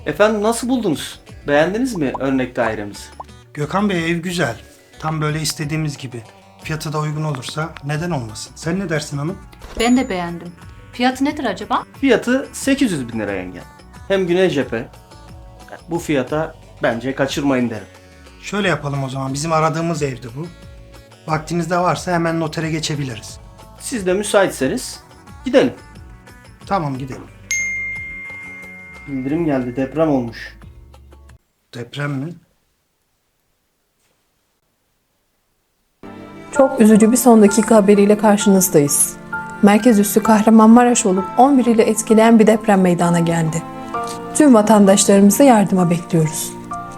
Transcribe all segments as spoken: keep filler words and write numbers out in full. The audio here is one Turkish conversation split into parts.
Efendim nasıl buldunuz? Beğendiniz mi örnek dairemizi? Gökhan Bey, ev güzel. Tam böyle istediğimiz gibi. Fiyatı da uygun olursa neden olmasın? Sen ne dersin hanım? Ben de beğendim. Fiyatı nedir acaba? Fiyatı sekiz yüz bin lira yenge. Hem güney cephe. Bu fiyata bence kaçırmayın derim. Şöyle yapalım o zaman. Bizim aradığımız evdi bu. Vaktiniz de varsa hemen notere geçebiliriz. Siz de müsaitseniz gidelim. Tamam, gidelim. Bildirim geldi, deprem olmuş. Deprem mi? Çok üzücü bir son dakika haberiyle karşınızdayız. Merkez üssü Kahramanmaraş olup on bir ile etkileyen bir deprem meydana geldi. Tüm vatandaşlarımızı yardıma bekliyoruz.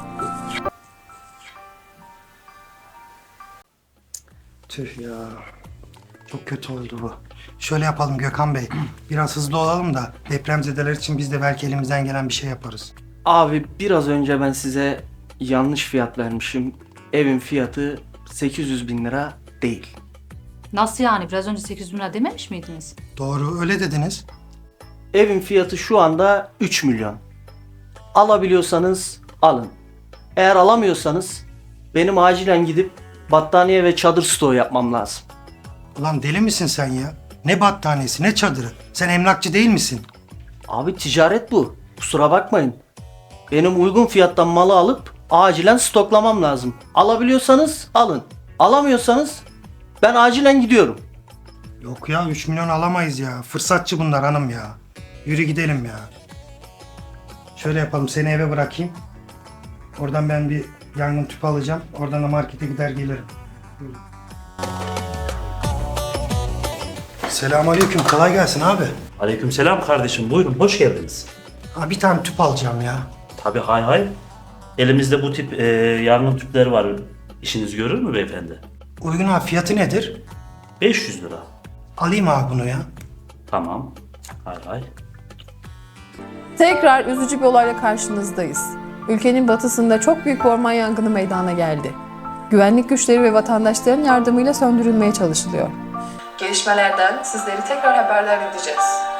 Tüh ya. Çok kötü oldu bu. Şöyle yapalım Gökhan Bey. Biraz hızlı olalım da depremzedeler için biz de belki elimizden gelen bir şey yaparız. Abi biraz önce ben size yanlış fiyat vermişim. Evin fiyatı sekiz yüz bin lira değil. Nasıl yani? Biraz önce sekiz bin lira dememiş miydiniz? Doğru, öyle dediniz. Evin fiyatı şu anda üç milyon. Alabiliyorsanız alın. Eğer alamıyorsanız benim acilen gidip battaniye ve çadır stoğu yapmam lazım. Ulan deli misin sen ya? Ne battaniyesi, ne çadırı? Sen emlakçı değil misin? Abi ticaret bu. Kusura bakmayın. Benim uygun fiyattan malı alıp acilen stoklamam lazım. Alabiliyorsanız alın. Alamıyorsanız ben acilen gidiyorum. Yok ya, üç milyon alamayız ya. Fırsatçı bunlar hanım ya. Yürü gidelim ya. Şöyle yapalım, seni eve bırakayım. Oradan ben bir yangın tüpü alacağım. Oradan da markete gider gelirim. Buyurun. Selamünaleyküm, kolay gelsin abi. Aleykümselam kardeşim, buyurun, hoş geldiniz. Ha, bir tane tüp alacağım ya. Tabii, hay hay. Elimizde bu tip e, yangın tüpleri var. İşiniz görür mü beyefendi? Uygun abi, fiyatı nedir? beş yüz lira. Alayım abi bunu ya. Tamam, hay hay. Tekrar üzücü bir olayla karşınızdayız. Ülkenin batısında çok büyük bir orman yangını meydana geldi. Güvenlik güçleri ve vatandaşların yardımıyla söndürülmeye çalışılıyor. Gelişmelerden sizleri tekrar haberdar edeceğiz.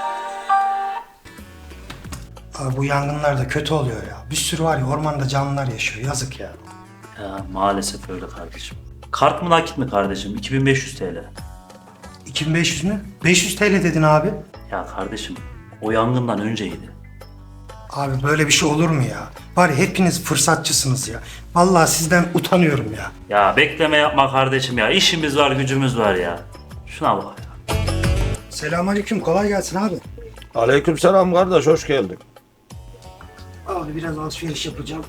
Abi bu yangınlar da kötü oluyor ya. Bir sürü var ya, ormanda canlılar yaşıyor. Yazık ya. Ya, maalesef öyle kardeşim. Kart mı nakit mi kardeşim? iki bin beş yüz T L. iki bin beş yüz mü? beş yüz T L dedin abi. Ya kardeşim, o yangından önceydi. Abi böyle bir şey olur mu ya? Var ya, hepiniz fırsatçısınız ya. Vallahi sizden utanıyorum ya. Ya bekleme yapma kardeşim ya. İşimiz var, gücümüz var ya. Şuna bak ya. Selamünaleyküm, kolay gelsin abi. Aleykümselam kardeş, hoş geldin. Abi biraz alışveriş yapacağım.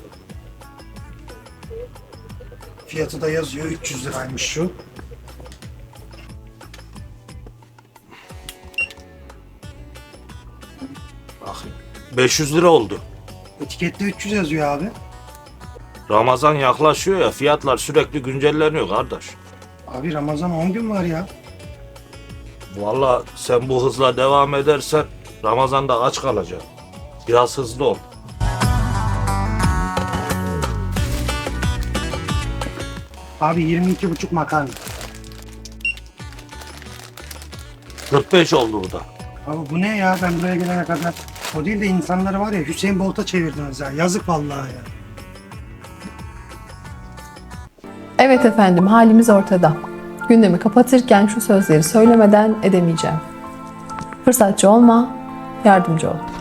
Fiyatı da yazıyor, üç yüz liraymış şu. Bakayım. beş yüz lira oldu. Etikette üç yüz yazıyor abi. Ramazan yaklaşıyor ya, fiyatlar sürekli güncelleniyor kardeş. Abi Ramazan on gün var ya. Vallahi sen bu hızla devam edersen Ramazan'da aç kalacaksın. Biraz hızlı ol. Abi yirmi iki buçuk makarna. kırk beş oldu bu da. Abi bu ne ya, ben buraya gelene kadar. O değil de insanları var ya, Hüseyin Bolt'a çevirdiniz ya. Yazık vallahi ya. Evet efendim, halimiz ortada. Gündemi kapatırken şu sözleri söylemeden edemeyeceğim. Fırsatçı olma, yardımcı ol.